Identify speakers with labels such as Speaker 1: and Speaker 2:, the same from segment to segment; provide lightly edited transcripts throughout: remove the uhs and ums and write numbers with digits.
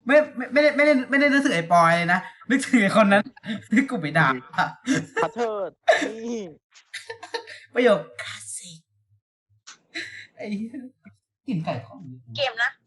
Speaker 1: ไม่ได้นึกถึงไอ้ปอยเลยนะนึกถึงไอ้คนนั้นที่กูไปด่า
Speaker 2: ขอโทษนี่
Speaker 1: ประโยคคลาสสิกไอ้เหี้ยกลิ่นไก่ทอด
Speaker 3: เกมนะ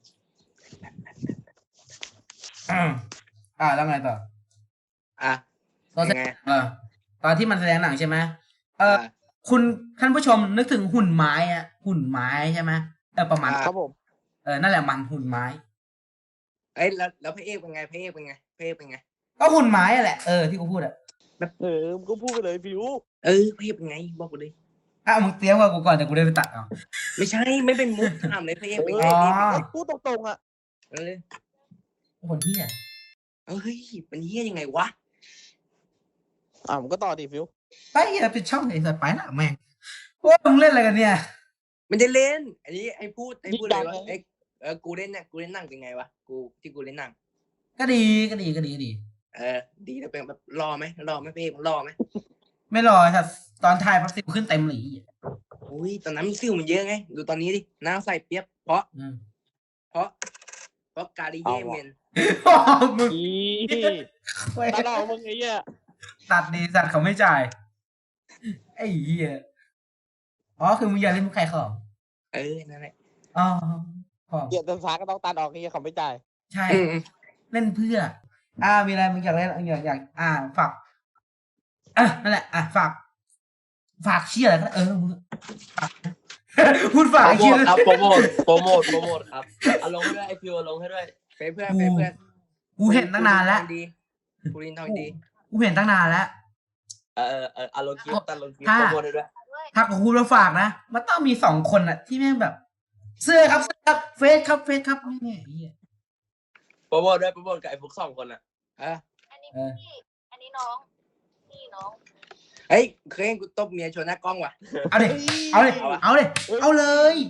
Speaker 1: แล้วไงต่อ
Speaker 4: อ่ะ
Speaker 1: ตอนแส
Speaker 4: ยัง
Speaker 1: ด
Speaker 4: ไง
Speaker 1: งตอนที่มันแสดงหนังใช่ไหม
Speaker 4: อ่า
Speaker 1: คุณท่านผู้ชมนึกถึงหุ่นไม้อะหุ่นไม้ใช่ไหมประมาณ
Speaker 2: ครับผม
Speaker 1: นั่นแหละมันหุ่นไม้
Speaker 4: เอ้ยแล้วพระเอกเป็นไงพระเอกเป็นไงพระเอกเป็นไง
Speaker 1: ก็หุ่นไม้อะแหละที่กูพูดอะ
Speaker 2: มึงก็พูดไปเลยฟิว
Speaker 4: พระเอกเป็นไงบอกกูดิ
Speaker 1: มึงเตรียมกับกูก่อนเดี๋ยวกูได้ไปตัดเอา
Speaker 4: ไม่ใช่ไม่เป็นมุกถามเลยพระเอกเป็นไง
Speaker 1: อ๋อ
Speaker 4: นี่
Speaker 2: พูดตรงๆอ่ะ
Speaker 4: เออ
Speaker 1: คนที่อะ
Speaker 4: เฮ้ยเป็นเฮี้ยยังไงวะ
Speaker 2: มึงก็ต่อดิฟิว
Speaker 1: ไปปิดช่องไอ้สัตว์ไปละแม่งว่ามึงเล่นอะไรกันเนี่ย
Speaker 4: มันจะเล่น อันนี้ไอ้พูดเลยว่ากูเล่นเนี่ยกูเล่นหนังเป็นไงวะกูเล่นหนัง
Speaker 1: ก็ดี
Speaker 4: ดีแล้วเป็นแบบรอไหมพระเอกมันรอไหม
Speaker 1: ไม่รอครับตอนถ่ายพักสิวขึ้นเต็มเลย
Speaker 4: อุ้ยตอนนั้นมันซิ่วมันเยอะไงดูตอนนี้ดิหน้าใส่เปียบเพราะกาลิเย่เมน
Speaker 1: มึง
Speaker 2: ตาเรามึงไอ้เหี้ย
Speaker 1: ตัดดีสัตว์เขาไม่จ่ายไอ้เหี้ยคือมึงอยากเล่นมุกใครของ
Speaker 4: นั่นแหละ
Speaker 1: พอ
Speaker 2: เกียรติศาสตร์ก็ต้องตัดออกไอ้เหี้ยเขาไม่จ่าย
Speaker 1: ใช่เล่นเพื่อมีอะไรมึงอยากเล่นอยากฝากนั่นแหละฝากเชี่ยอะไรก็มึงฝากพูดฝากไอ้เชี่ย
Speaker 5: ครับโปรโมทครับเอาลงให้ด้วยไอฟิวลงให้ด้วย
Speaker 4: เพื่อน
Speaker 1: กูเห็นตั้งนานแล้ว
Speaker 4: กูรินทองดี
Speaker 1: กูเห็นตั้งนานแล้ว
Speaker 5: เอาลงคลิปตัดลงคลิป
Speaker 1: ถ้า
Speaker 5: โปรโมทให้ด้วย
Speaker 1: ถ้ากูแล้วฝากนะมันต้องมี2 คนที่แม่งแบบ เสื้อครับเฟซครับนี่ไอ้เหี้ย
Speaker 5: โปรโมทด้วยโปรโมทกับไอ้พวก2 คนอ่ะ
Speaker 3: อันนี้พี่อันนี้น้องพี่น้อง
Speaker 4: เฮ้ยเคยเห็นกูตบเมียชนหน้ากล้องว่ะ
Speaker 1: เอาเลย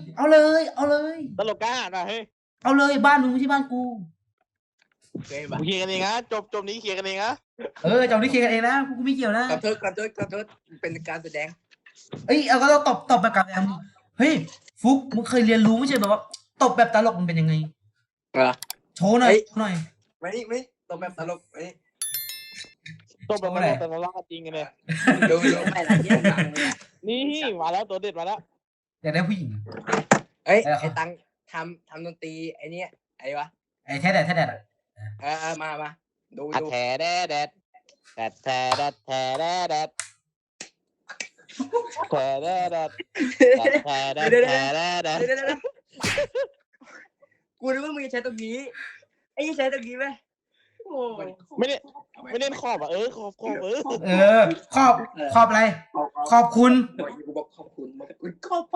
Speaker 2: ตลกกล้าหน่อยเฮ้ย
Speaker 1: เอาเลยบ้านมึงไม่ใช่บ้านกู
Speaker 4: เคยเห็นปะ
Speaker 2: เคลียร์กันเองนะจบนี้เคลียร์กันเองนะ
Speaker 1: เจ้านี่เคลียร์กันเองนะกูไม่เกี่ยวนะ
Speaker 4: ขอโทษเป็นการแสดง
Speaker 1: เอาก็ต้องตบแบบกับแอมเฮ้ยฟุกมึงเคยเรียนรู้ไม่ใช่แบบว่าตบแบบตลกมันเป็นยังไงโชว์หน่อย
Speaker 4: ไม่ตบแบบตลกไม่
Speaker 2: จบแบบแต่เราล่าจริงกันเลย
Speaker 4: ดูไม่ละเยี่ยมหนัง
Speaker 2: นี่มาแล้วตัวเด็ดมาแล้ว
Speaker 1: อยากได้ผู้หญิง
Speaker 4: ไอ้ตังทำดนตรีไอ้นี่ไอ้วะ
Speaker 1: ไอ้แท้แดด
Speaker 4: มาดู
Speaker 2: แถแดดแดดแถแดดแถแดดแดดแถแดดแดดแถแดดแถแดดแดด
Speaker 4: กูนึกว่ามึงจะใช้ตรงนี้ไอ้ใช้ตรงนี้ไหมโอ้
Speaker 2: ไม่เล่นขอบขอบ
Speaker 1: ขอบอะไรขอบคุณ
Speaker 4: กูบอกขอบคุณขอบ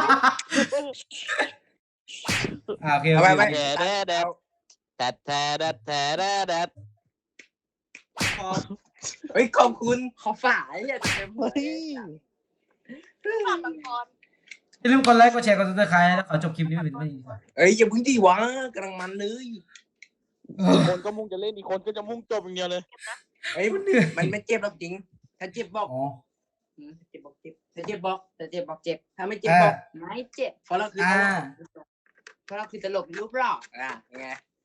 Speaker 1: โอเค
Speaker 4: ไป
Speaker 2: แถแดดแดดแถแดดแถแดดแดด
Speaker 4: เฮ้ยขอบคุณขอฝ่ายอย่าเต็ม
Speaker 2: เฮ้ย
Speaker 3: ฝากละคร
Speaker 1: อย่าลืมกดไลค์กดแชร์กดซับสไครต์แล้วขอจบคลิปนี้เป็นไม่ดีกว่า
Speaker 4: เอ้ยอย่าพึ่งดีวะกำลังมันเลย
Speaker 2: คนก็มุ่งจะเล่นอีกคนก็จะมุ่งจบอย่างเดียวเลย
Speaker 4: เอ้ยมันไม่เจ็บหรอกจริงถ้าเจ็บบอกเจ็บบอกเจ็บถ้าเจ็บบอกเจ็บถ้าไม่เจ็บบอกไม่เจ็บเพราะเราคือตลกรูปหล่อไง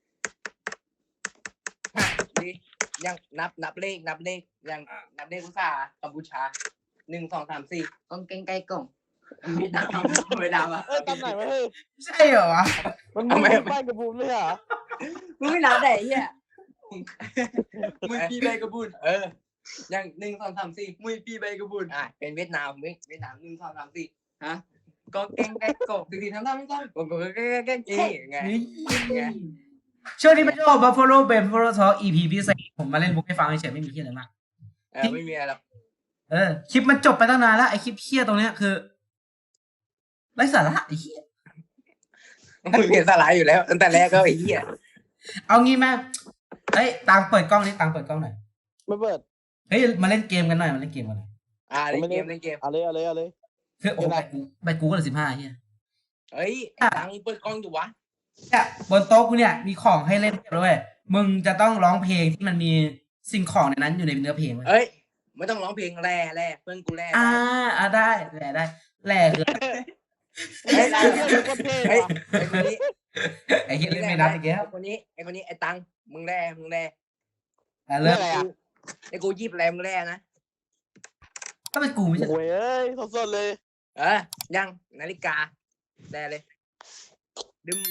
Speaker 4: ดียังนับเลขยังนับเลขภาษากัมพูชา1 2 3 4กองเก่งไก่กล่องไม่ดาวอ่ะ
Speaker 2: ตามไหนวะเฮ้ย
Speaker 1: ใช่เหรอวะ
Speaker 2: มันไม่บ้านกับบูมเลยเหรอ
Speaker 4: มึงไม่นับไหนเนี่ยมึงปีใบกระบุนยัง1 2 3 4มึงปีใบกระบุนเป็นเวียดนาม1 2 3 4ฮะก็เก่งไก่กล่องตีทำไม่ต้องก็เก่งไง
Speaker 1: ช่วงนี้เป็นช่วง Buffalo Buffalo Talk EP พิเศษผมมาเล่นมุกให้ฟังเฉยไม่มีที่อะไรมาก
Speaker 4: ไม่มีอะไรหรอก
Speaker 1: คลิปมันจบไปตั้งนานแล้วไอคลิปเคี้ยตรงเนี้ยคือไร้สาระไอ้เหี้ย
Speaker 4: มึงเห็นสลายอยู่แล้วตั้งแต่แรกก็ไอ้เหี้ย
Speaker 1: เอางี้แม่ตังเปิดกล้องนี่ตังเปิดกล้องหน่อย
Speaker 2: ไม่เปิด
Speaker 1: มาเล่นเกมกันหน่อยเล่นเกม
Speaker 4: เล่นเกม
Speaker 2: เอาเลย
Speaker 1: คือโอ้ใบกูก็เลย15เหี้ย
Speaker 4: เฮ้ยตังเปิดกล้องอยู่วะ
Speaker 1: เนี่ยบนโต๊ะกูเนี่ยมีของให้เล่นด้วยมึงจะต้องร้องเพลงที่มันมีสิ่งของในนั้นอยู่ในเนื้อเพลง
Speaker 4: เฮ้ยไม่ต้องร้องเพลงแร่เพื่อนกูแร่
Speaker 1: ได้แร่คือ
Speaker 4: ไอ้คนนี้ไอ้
Speaker 1: เหี้ยเล่นไม่นับอีกแล้ว
Speaker 4: ไอ้คนนี้ไอ้ตังมึงแร่
Speaker 1: เริ่ม
Speaker 2: อะไรอ่ะ
Speaker 4: ไอ้กูยิบแรมึงแร่นะ
Speaker 1: ก็เป็นกูไม่ใช่
Speaker 2: โอ้ยเอ้ยสดๆเลย
Speaker 4: ยังนาฬิกาแร่เลยดึม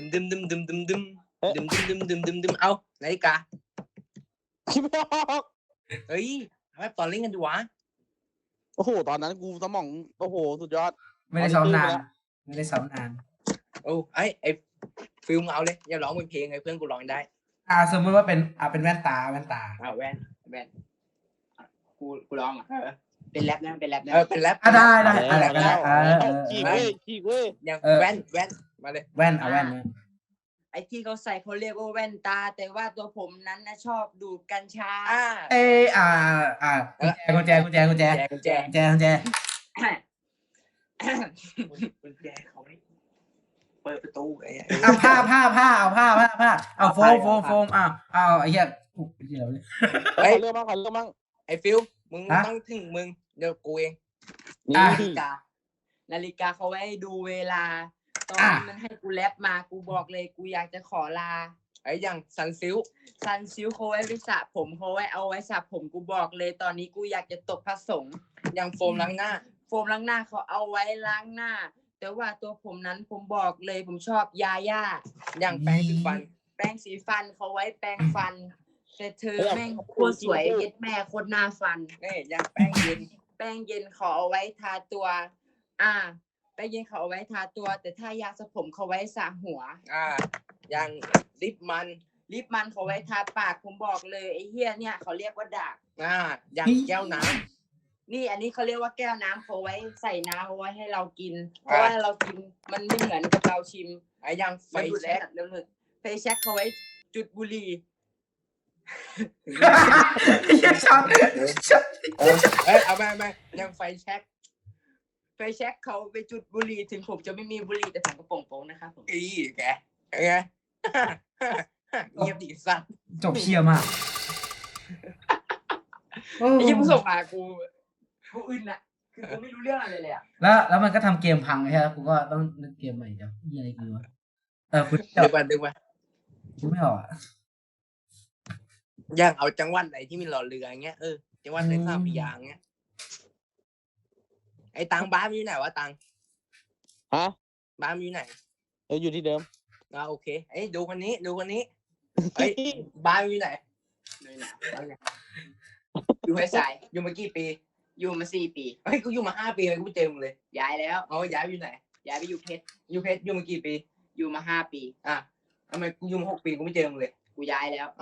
Speaker 4: เอานาฬิกา
Speaker 2: คิดไม่ออก
Speaker 4: เฮ้ยทำไมตอนเล่นกันดีวะ
Speaker 2: โอ้โหตอนนั้นกูสมองโอ้โหสุดยอด
Speaker 1: ไม่ได้ซ้อมนานไม่ได้ซ้อมนาน
Speaker 4: โอ้ไอ้ฟิลมเอาเลยอย่าร้องเป็นเพลงไงเพื่อนกูร้องได้
Speaker 1: สมมติว่าเป็นเป็นแว่นตา
Speaker 4: แว่นกูร้องเป็นแรปนะเป็นแรป
Speaker 1: ได้อะไรก็ได้
Speaker 2: ฉีกเว้ย
Speaker 4: อย่างแว่นมาเลย
Speaker 1: แว่นแว่น
Speaker 6: ไอ้ที่เขาใส่เขาเรียกว่าแว่นตา แต่ว่าตัวผมนั้นนะชอบดูดกัญชา
Speaker 1: กุญแจ
Speaker 4: กุญแจเขาไม่เปิดประตูไอ้
Speaker 1: ผ้าเอาโฟมเอาไอ้เหี้ย
Speaker 2: เรื่องมั่ง
Speaker 4: ไอ้ฟิลมึงต้องถึงมึงเดี๋ยวกูเอง
Speaker 6: นาฬิกาเขาไว้ดูเวลาตอนมันให้กูแรปมากูบอกเลยกูอยากจะขอลา
Speaker 4: ไอ้อย่างซันซิล
Speaker 6: เขาไว้สระผมเขาไว้เอาไว้สระผมกูบอกเลยตอนนี้กูอยากจะตกพระสงฆ์
Speaker 4: อย่างโฟมล้างหน้า
Speaker 6: เขาเอาไว้ล้างหน้าแต่ว่าตัวผมนั้นผมบอกเลยผมชอบยาย่า
Speaker 4: อย่างแปรงสีฟัน
Speaker 6: เขาไว้แปรงฟันแต่เธอแม่งโคตรสวยเย็ดแม่โคตรหน้าฟัน
Speaker 4: อย่างแป้งเ
Speaker 6: ย็นเขาเอาไว้ทาตัวแป้งเย็นเขาเอาไว้ทาตัวแต่ถ้ายาสระผมเขาไว้สระหัว
Speaker 4: อย่างลิปมัน
Speaker 6: เขาไว้ทาปากผมบอกเลยไอ้เหี้ยเนี่ยเขาเรียกว่าดาก
Speaker 4: อย่างแก้วน้
Speaker 6: ำนี่อันนี้เขาเรียกว่าแก้วน้ำเขาไว้ใส่น้ำเอาไว้ให้เรากินเพราะว่าเรากินมันไม่เหมือนกับเราชิม
Speaker 4: ไอ้อย่างไฟแ
Speaker 6: ช็กเขาไว้จุดบุหรี่
Speaker 1: ช็อต
Speaker 4: เอาไปยังไฟแช็ก
Speaker 6: เขาไปจุดบุหรี่ถึงผมจะไม่มีบุหรี่แต่ผมก็โป่งๆนะครับผม
Speaker 4: แกไงเงียบดีสัตว์
Speaker 1: จบเชี่ยมาก
Speaker 6: ไอ้ยี่ผู้ส่งมากูอึนอ่ะคือกูไม่รู้เรื่องอะไรเลยอ่ะ
Speaker 1: แล้วมันก็ทำเกมพังใช่ไหมกูก็ต้องนึกเกมใหม่จ้ะยี่อะไรกูวะ
Speaker 4: คุณดึงมา
Speaker 1: กูไม่ออก
Speaker 4: อย่างเอาจังหวัดไหนที่มีหล่อเรือเงี้ยจังหวัดไหนสามพยางเงี้ยไอ้ตังบ้านอยู่ไหนวะตังบ้านอยู่ไหน
Speaker 2: อยู่ที่เดิม
Speaker 4: โอเคดูคนนี้บ้านอยู่ไหน
Speaker 6: อยู่ให้สาย
Speaker 4: อยู่มากี่ปี
Speaker 6: อยู่มา4 ปี
Speaker 4: กูอยู่มา5 ปีเลยกูเจอมึงเลย
Speaker 6: ย้ายแล้ว
Speaker 4: ย้ายไปอยู่ไหน
Speaker 6: ย้ายไปอยู่เพชร
Speaker 4: อยู่มากี่ปี
Speaker 6: อยู่มา5 ปี
Speaker 4: ทำไมกูอยู่มา6 ปีกูไม่เจอมึงเลย
Speaker 6: กูย้ายแล้ว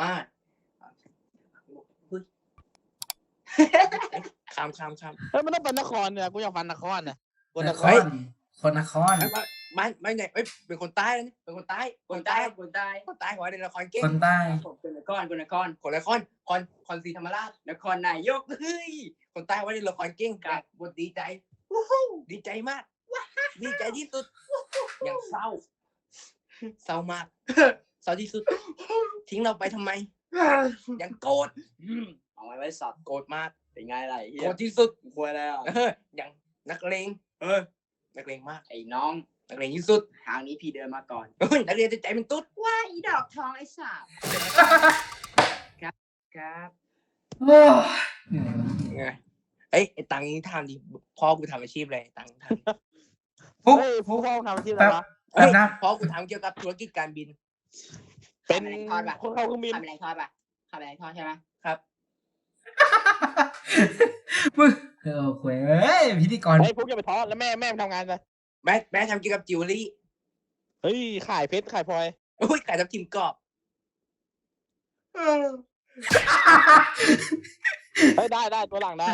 Speaker 4: ข้าม
Speaker 2: มันต้องเป็นนครเนี่ยกูอยากฟันนครนะ
Speaker 1: คนนคร
Speaker 4: ไม่เนี่ยเป็นคนใต้นะเป็นคนใต้ขอให้ในละครเก่ง
Speaker 1: คนใต้
Speaker 6: คนนคร
Speaker 4: คอนศรีธรรมราช
Speaker 6: นครนายก
Speaker 4: คนใต้ว่าในละครเก่งกับบทดีใจดีใจมากดีใจที่สุดอย่างเศร้ามากเศร้าที่สุดทิ้งเราไปทำไมอย่างโกรธ
Speaker 6: เอาไว้สับ
Speaker 4: โกรธมาก
Speaker 6: เป็นไงไร
Speaker 4: โกรธที่สุด
Speaker 6: ควรแล้ว
Speaker 4: อย่างนักเลงนักเลงมาก
Speaker 6: ไอ้น้อง
Speaker 4: นักเลงที่สุด
Speaker 6: ทางนี้พี่เดินมาก่อน
Speaker 4: นักเรียนใจเป็นตุ๊ด
Speaker 6: ว่าอีดอกทองไอ้สาบครับ
Speaker 4: ไอ้ตังค์ทำดิพ่อกูทำอาชีพอะไรตังค์ทำ
Speaker 2: พ่อทำอาชีพอะไรวะ
Speaker 4: พ่อกูทำเกี่ยวกับธุรกิจการบิน
Speaker 2: เป็นคนเข้าเครื่องบิน
Speaker 6: ทำอะไรทอดใช่ไหม
Speaker 4: ครับ
Speaker 1: มึงคุยพิธีกร
Speaker 2: พวกจะไปทอดแล้วแม่ทำงานอะไร
Speaker 4: แม่ทำเกี่ยวกับจิวเวลรี่
Speaker 2: ขายเพชรขายพลอย
Speaker 4: ขายทับทิมกรอบ
Speaker 2: ได้ตัวหลังได้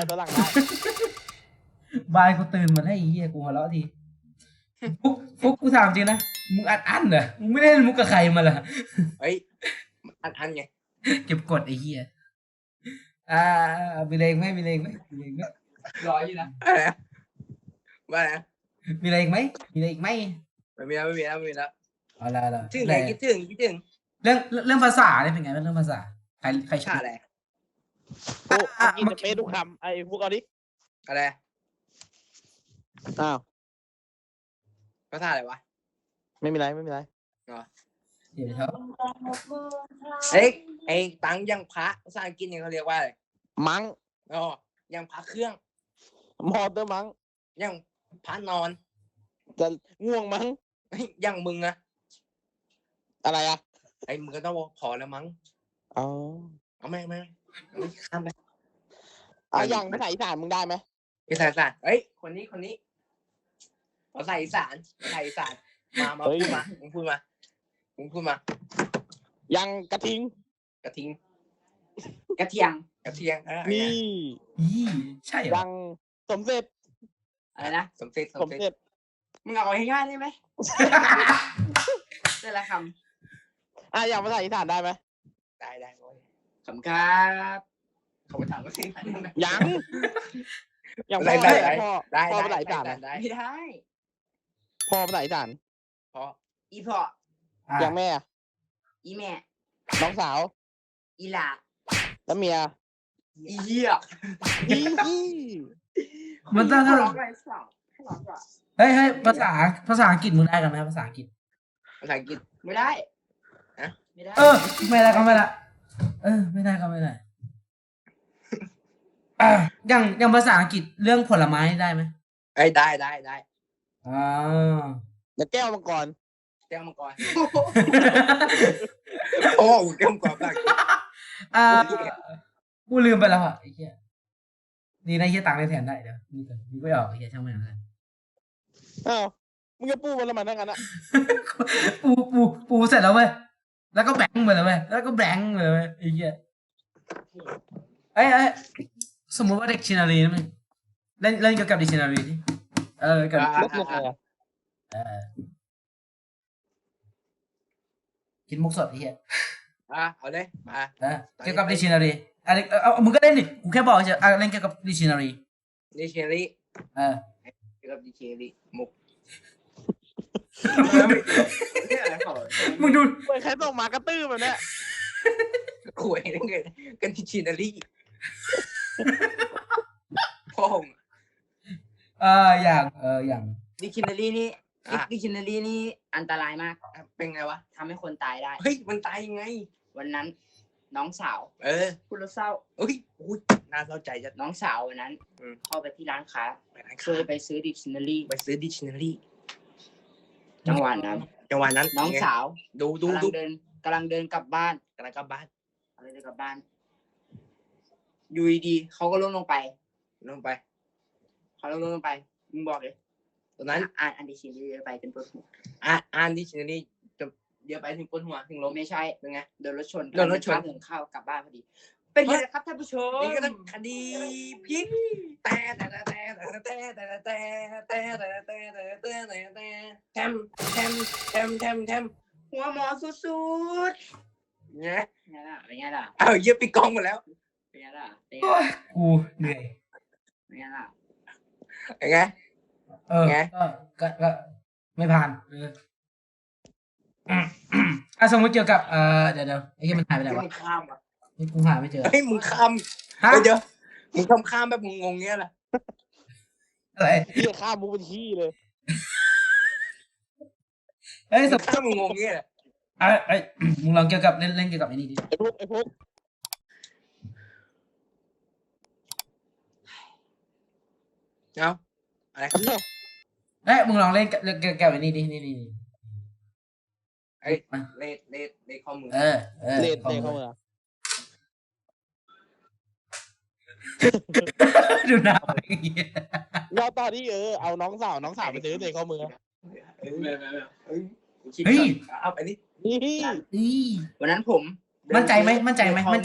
Speaker 1: บายกูตื่นมาให้เหี้ยกูหัวเราะทีฟุกกูถามจริงนะมึงอัดเหรอมึงไม่ได้มุกกับใครมาเหรอ
Speaker 4: อันไง
Speaker 1: เก็บกดไอ้เหี้ยมีเลงไหม
Speaker 6: รออยู่นะ
Speaker 4: ว่าไง
Speaker 1: มีอะไรอีกไหม
Speaker 4: ไม่มีแล้ว
Speaker 1: เอาละ
Speaker 4: ถึงไหนคิดถึง
Speaker 1: เรื่องภาษาเนี่ยเป็นไงเรื่องภาษาใครชอบ
Speaker 4: อะไร
Speaker 2: กินจะเป๊ะทุกคำไอ้พวกเอาดิ
Speaker 4: อะไรภาษาอะไรวะ
Speaker 2: ไม่มีไร
Speaker 1: เดี๋ยวครับ
Speaker 4: เฮ้ยไอ้ตังยังพระภาษาอังกฤษเนี่ยเขาเรียกว่าอะไร
Speaker 2: มั้ง
Speaker 4: อ๋อยังพระเครื่อง
Speaker 2: มอเตอร์มั้ง
Speaker 4: ยังพระนอน
Speaker 2: จะง่วงมั้ง
Speaker 4: เฮ้ยยังมึงอะ
Speaker 2: อะไรอ่ะ
Speaker 4: ไอ้มึงก็ต้องบอกพอแล้วมั้ง
Speaker 2: อ๋อ
Speaker 4: เอาไม่ข้ามไป
Speaker 2: เอาอย่างภาษาอีสานมึงได้ไหม
Speaker 4: ภาษาอีสานเฮ้ยคนนี้ภาษาอีสานมาพูดมามึงพูดมา
Speaker 2: ยังกระทิง
Speaker 4: กระทิง
Speaker 6: กระเทียง
Speaker 4: กระเทียง
Speaker 2: นี่
Speaker 1: ยี่ใช่เหรอ
Speaker 2: ยังสมเสร็จ
Speaker 6: อะไรนะ
Speaker 4: สมเสร็จ
Speaker 2: สมเสร็จ
Speaker 6: มึงเอาง่ายๆได้ไหมแต่ละค
Speaker 2: อ่ะอย่างภาษาอีสานได้ไหม
Speaker 4: ได้โว้ย
Speaker 6: ำขำครับ
Speaker 4: เขาไปถามว่าสิ
Speaker 2: ยังอย่างพ่อ
Speaker 4: ได้
Speaker 2: พ่อภาษาอีสาน
Speaker 4: ได้
Speaker 6: ไม่ได้
Speaker 2: พ่อภาษาอีสาน
Speaker 4: เพราะ
Speaker 6: อีพ่อ
Speaker 2: อย่างแม่อะ
Speaker 6: อีแม่
Speaker 2: น้องสาว
Speaker 6: อีหลา
Speaker 2: แล้วเมีย
Speaker 6: อีเหี้ย
Speaker 2: อีอี
Speaker 1: มันต้อง
Speaker 6: ร้องอะไรสักร้องอ่ะ
Speaker 1: เฮ้ยภาษาอังกฤษมึงได้กันไหมภาษาอังกฤษ
Speaker 4: ภาษาอังกฤษ
Speaker 6: ไม่ได้
Speaker 4: ฮะ
Speaker 6: ไม่ได้
Speaker 1: ไม่ได้ก็ไม่ได้ไม่ได้ก็ไม่ได้อย่างภาษาอังกฤษเรื่องผลไม้ได้ไหม
Speaker 4: เอ้ยได้
Speaker 1: อ่า
Speaker 2: แล้วแก้วมังกร
Speaker 4: แก้วมังกรโอ้แก้วมังกรภาษาอังกฤษ
Speaker 1: กูลืมไปแล้วอ่ะไอ้เหี้ยนี่นะไอ้เหี้ยตังค์ได้แทนได้เดี๋ยวนี่ก่อนนี่ไม่ออกไอ้เหี้ยช่างแม่งเลย
Speaker 2: อ้าวมึงจะปูมันละมันทั้งนั้นอ่ะ
Speaker 1: ปูเสร็จแล้วเว้ยแล้วก็แบงค์ไปเลยเว้ยแล้วก็แบงค์เลยเว้ยไอ้เหี้ยเอ้ยสมมติว่า dictionary นะมึงเล่นเกี่ยวกับ dictionary ดิกับ
Speaker 2: ลบยังไงอ่ะ
Speaker 1: คิดมุกสดไอ้เหี้ย
Speaker 4: เอาเลยมา
Speaker 1: เกี่ยวกับ dictionary อะไรมึงก็เล่นดิกูแค่บอกเฉยเล่นเกี่ยวกับ dictionary
Speaker 4: ดิเชอรี่
Speaker 6: เกี่ยวกับดีเจลิ
Speaker 4: มุก
Speaker 6: เนี่ยอะไรขอ
Speaker 1: มึงดู
Speaker 2: เปิดใครส่งมากระตื้อแบบเนี้ย
Speaker 4: คุยกันดิเชอรี่พ่อง
Speaker 1: อย่าง
Speaker 6: ดิกชันนารีนี่ดิกชันนารีนี่อันตรายมาก
Speaker 4: เป็นไงวะ
Speaker 6: ทำให้คนตายได้
Speaker 4: เฮ้ยมันตายยังไง
Speaker 6: วันนั้น น้องสาว พูดแล้วเศร้า
Speaker 4: เอ้ยน่าเศร้าใจจะ
Speaker 6: น้องสาววันนั้น เข้าไปที่ร้านค้า
Speaker 4: ไปร้าน
Speaker 6: เค
Speaker 4: ค้าย
Speaker 6: ไปซื้อดิกชันนารี
Speaker 4: ไปซื้อดิชนารี
Speaker 6: จังหวะนั้น น้องสาว
Speaker 4: ดู
Speaker 6: กำลังเดินกลับบ้าน
Speaker 4: กำลังกลับบ้าน
Speaker 6: อะไรจะกลับบ้านอยู่ดีๆเขาก็ล้มลงไป
Speaker 4: ลงไป
Speaker 6: เขาล้มลงไปมึงบอกเลย
Speaker 4: ตอนนั้น
Speaker 6: อ่านดิกชันนารีไปเป็นปวดหัว
Speaker 4: อ่านดิชนารีจะเดี๋ยวไปถึงปวดหัวถึงล้ม
Speaker 6: ไม่ใช่
Speaker 4: เป็นไง
Speaker 6: โดนรถชน
Speaker 4: โดนรถชน
Speaker 6: ข้ามถนนเข้ากลับบ้านพอดี เป็นไงล่ะครับท่านผู้ชม
Speaker 4: นี่ก็ต้องคดีพลิกแต่แทม
Speaker 6: หัวหมอสุด
Speaker 4: เนี่ย
Speaker 6: ๆเป็นไงล่ะ
Speaker 4: เอาเยี่ยปิดกล้องหมดแล้ว
Speaker 6: เป็นไงล่ะเป็นไง
Speaker 1: โอ้
Speaker 6: ล่ะ
Speaker 1: ยกูเหนื่อย
Speaker 6: เป็นไงล่ะ
Speaker 4: ยังไง ไง
Speaker 1: ก็ไม่ผ่านสมมติเกี่ยวกับเดี๋ยวไอ้เหี้ยมันหายไปไหนวะ
Speaker 4: มึงข้ามอ่ะ
Speaker 1: นี่กูหาไม่เจอ
Speaker 4: เฮ้ยมึงข้าม
Speaker 1: ฮะ
Speaker 4: เดี๋ยวมึงข้ามแบบงงๆเงี้ยแหละ
Speaker 1: อะไร
Speaker 2: เหี้ยข้ามมุกเป็นขี้เลย
Speaker 1: เอ้ย
Speaker 4: มึงข้ามงงๆเงี้ยแหละ
Speaker 1: มึงลองเกี่ยวกับเล่นเกี่ยวกับไอ้นี่ดิ
Speaker 2: ไอ้พวก
Speaker 4: เอาอะไรครับ
Speaker 1: มึงลองเล่นเกี่ยวกับไอ้นี่ดินี่
Speaker 4: ไอ้เลขข้อมือ
Speaker 2: เล่นเข้ามา
Speaker 1: ดูหน้าอย่างเงี้ย
Speaker 2: เราตอนที่เอาน้องสาวไปซื้อเตะข้อมือ
Speaker 1: เฮ้ย
Speaker 4: เอาไปนี่
Speaker 2: นี่
Speaker 6: วันนั้นผม
Speaker 1: มั่นใจไหมมั่นใจไหม
Speaker 6: ไม่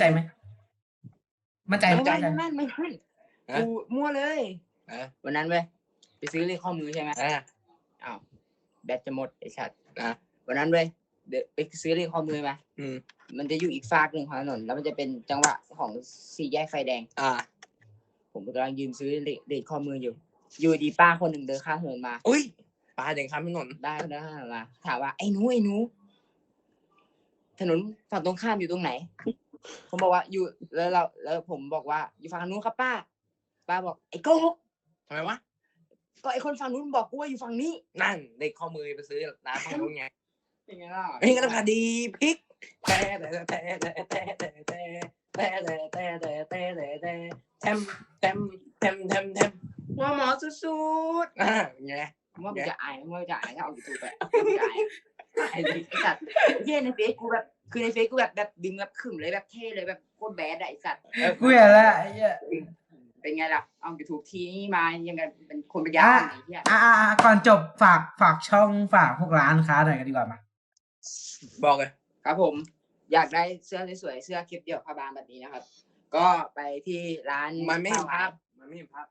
Speaker 6: กูมั่วเลย วันนั้นเว้ยไปซื้อเลขข้อมือใช่ไหมอ้าวแบตจะหมดไอ้สัตว์วันนั้นเว้ยเดี๋ยวไปซื้อเลขข้อมือมามันจะอยู่อีกฝากหนึ่งของถนนแล้วมันจะเป็นจังหวะของสี่แยกไฟแดงผมกำลังยืนซื้อเลขข้อมืออยู่ดีป้าคนหนึ่งเดินข้ามถนนมา
Speaker 4: อุ้ยปลาเด็กข้ามถนน
Speaker 6: ได้เดินข้ามถนนมาถามว่าไอ้หนูถนนฝั่งตรงข้ามอยู่ตรงไหน ผมบอกว่าอยู่แล้วผมบอกว่าอยู่ฝั่งนู้นครับป้าบอกไอ้โกหก
Speaker 4: ทำไมวะ
Speaker 6: ก็ไอ้คนฝั่งนู้นบอกกูว่าอยู่ฝั่งนี้
Speaker 4: นั่นเด็กข้อมือไปซื้อร้านฝั่งนู้นไง
Speaker 6: เป็นไงล่ะ
Speaker 4: เฮ้ยกันพอดีพริกแต่แต่แต่แต่แต่แต่แต่แต่แต่แต่แต่แต่แต่แทมแทมแทมแทมแทม
Speaker 6: ว่าหมอสุด
Speaker 4: ไง
Speaker 6: ๆว่ามึงจะอายมึงจะอายถ้าเอายูทูบไปมึงจะอายไอ้สัตว์เฮียในเฟซกูแบบคือในเฟซกูแบบดึงแบบขึมเลยแบบเท่เลยแบบโคตรแบดอะไอ้สัตว์
Speaker 1: กูเห็นแล้วไอ้เหี้ย
Speaker 6: เป็นไงล่ะเอายูทูบทีนี้มายังไงเป็นคนปัญญา
Speaker 1: อ่ะ
Speaker 6: ไอ้เหี้ย
Speaker 1: ก่อนจบฝากช่องฝากพวกร้านค้าหน่อยกันดีกว่ามา
Speaker 4: บอกเลย
Speaker 6: ครับผมอยากได้เสื้อสวยๆเสื้อคลิปเดี่ยวผ้าบางแบบนี้นะครับ ก็ไปที่ร้าน
Speaker 4: มันไม่เห็นภาพมันไม่เห็นภาพ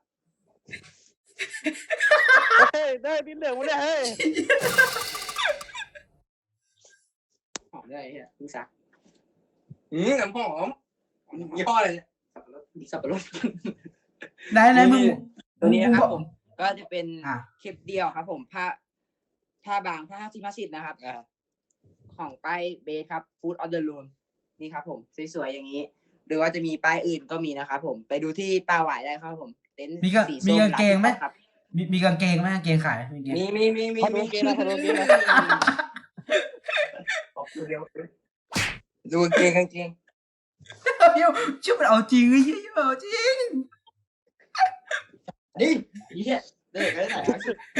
Speaker 2: เฮ้ยได้ดินเหลืองมาเนี่ยเฮ้ย
Speaker 6: หอมด้วยไอ้เหี้ยมึงซัก
Speaker 4: น้ำหอมยี่ห้ออะไรเนี่ย
Speaker 6: สับปะรด
Speaker 1: ไหนมึง
Speaker 6: ตัวนี้นะครับ
Speaker 1: อก
Speaker 6: ผมก็จะเป็น
Speaker 1: อ่ะ
Speaker 6: คลิปเดียวครับผมผ้าบางผ้าที่มาสิทธ์นะครับ ของป้ายเบสครับ Food on the Room นี่ครับผมสวยๆอย่างนี้ หรือว่าจะมีป้ายอื่นก็มีนะครับผมไปดูที่ป้าหวายได้ครับผมเต็นท์
Speaker 1: มี
Speaker 6: สี
Speaker 1: มี
Speaker 6: ส้ม
Speaker 1: กางเกงไหม
Speaker 6: ครับ
Speaker 1: มีกางเกงไหมกางเกงขายมีกางเกง
Speaker 4: มี
Speaker 2: ขอดูเกมนะขอดูเกมนะ
Speaker 4: ดูเกงกางเกง
Speaker 1: เดี๋ยวชื่อมันเอาจริงไอ้เหี้ยเอาจริง
Speaker 6: นี่เหี้ยเด็กไม่ได้ไหนครับ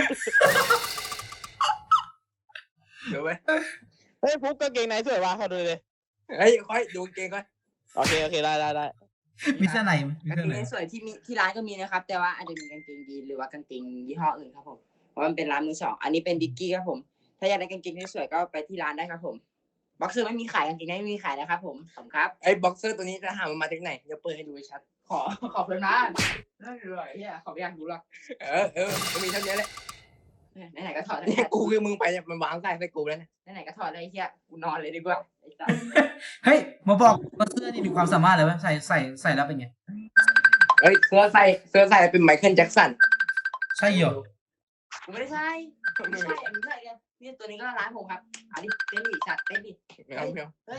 Speaker 4: เดี๋ยวไว้
Speaker 2: เฮ้ยฟุกกางเกงไหนสวยวะขอดูเลย
Speaker 4: เฮ้ยค่อยดูกางเกงก่อน
Speaker 2: โอเคได้
Speaker 1: มีเสื้อไหนมี
Speaker 6: กาง
Speaker 1: เสื้อไหน
Speaker 6: เกงสวยที่มีที่ร้านก็มีนะครับ แต่ว่าอาจจะมีกางเกงยีนหรือว่ากางเกงยี่ห้ออื่นครับผมเพราะมันเป็นร้านมือสองอันนี้เป็นดิกกี้ครับผม ถ้าอยากได้กางเกงที่สวยก็ไปที่ร้านได้ครับผมบ็อกเซอร์ไม่มีขายกางเกงไม่มีขายนะครับผมขอบคุณครับ
Speaker 4: ไอ้บ็อกเซอร์ตัวนี้จะหามันมาจากไหนเดี๋ยวเปิดให้ดูชัด
Speaker 6: ขอบคุณนะนั่นเลยเฮียขอบอยากดูหรอก
Speaker 4: ก็มีเท่านี้แหละ
Speaker 6: ไหนๆก็ถอด
Speaker 4: นี่กูคือมึงไปเนี่ยมันวางใส่กูแล้วเนี่ย
Speaker 6: ไหนๆก็ถอดเลยเฮียกูนอนเลยดีกว่าไอ้สัส
Speaker 1: เฮ้ยมาบอกว่าเสื้อนี่มีความสามารถเลยวะใส่แล้วเป็นไง
Speaker 4: เฮ้ยเสื้อใส่เป็นไมเคิลแจ็คสัน
Speaker 1: ใช่เหรอ
Speaker 6: กูไม่ได้ใช่ไม่ใช่อันนี้ใช่เนี่ยนี่ตัวนี้ก็ร้านผมครับอันนี้เต้นดิสัตว์เต้นดิ
Speaker 4: ไม่เอาไม่เอา
Speaker 6: เฮ้ย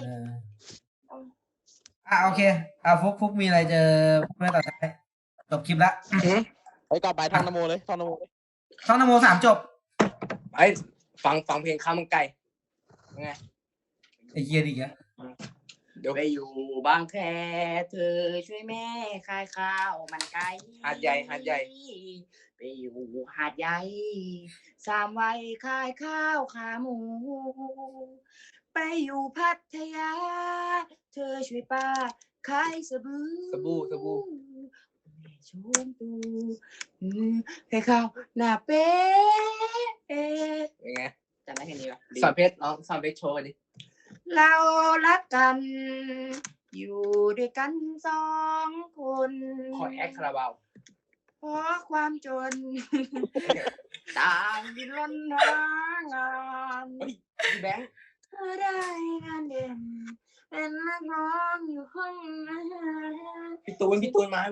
Speaker 1: โอเคฟุกมีอะไรจะพูดไหมต่อท้ายจบคลิปละ
Speaker 2: ไปก่อนไปท่องนโมเลยท่องนโมเลย
Speaker 1: ช่องนโม3จบ
Speaker 4: ไอ้ฟังเพลงข้าวมันไก่ไง
Speaker 1: ไอ้เหี้ยดิแก
Speaker 4: เดี๋ยว
Speaker 6: ไปอยู่บางแคเธอช่วยแม่ขายข้าวมันไก่
Speaker 4: หาดใหญ่
Speaker 6: ไปอยู่หาดใหญ่3 วัยขายข้าวขาหมู ไปอยู่พัทยา เธอช่วยป้าขายสบู่
Speaker 4: สบู่
Speaker 6: แม่ชวนตูให้ข้าวหน้าเป็ด
Speaker 4: เป็นไง
Speaker 6: จำได้แค่นี้ปะ
Speaker 4: สอนเพชรสอนเพชรโชว์ดิ
Speaker 6: เรารักกัน อยู่ด้วยกัน2 คน
Speaker 4: ขอแอคคาราบาว
Speaker 6: เพราะความจน ต่างดิ้นรนหางาน
Speaker 4: พี่แบงค์
Speaker 6: เธอได้งานเด่นเป็นนักร้องอยู่ห้องอาหาร
Speaker 4: พี่ตูนมา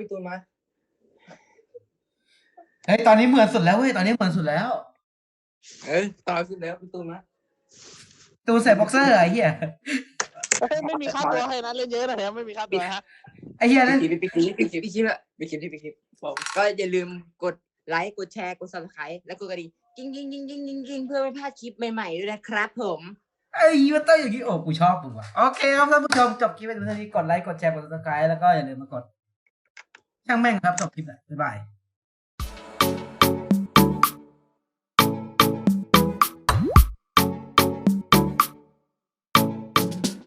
Speaker 1: เฮ้ยตอนนี้เหมือนสุดแล้วเว้ยตอนนี้เหมือนสุดแล้ว
Speaker 4: ต่อขึ้นแล้วพี่ตูนมา
Speaker 1: ตูใส่บ็อกเซอร์ไอ้เหี้ย
Speaker 2: เฮ้ยไม่มีค่าตัวให้นะเล่นเยอะนะเนี่ยไม่มีค่าตัวฮะ
Speaker 1: ไอ้เหี้ยนั่น
Speaker 4: พี่คลิป
Speaker 6: พี่คิดว่า
Speaker 4: พี่คลิปบอก
Speaker 6: ก็อย่าลืมกดไลค์กดแชร์กด subscribe และกดกระดิ่งกิ้งเพื่อไม่พลาดคลิปใหม่ๆด้วยนะครับผม
Speaker 1: ไอ้เหี้ยมันต้องอย่างนี้โอ้กูชอบมึงว่ะโอเคครับท่านผู้ชมจบคลิปไปเท่านี้กดไลค์กดแชร์กด subscribe แล้วก็อย่าลืมมากดช่างแม่งครับจบคลิปแล้วบ๊ายบาย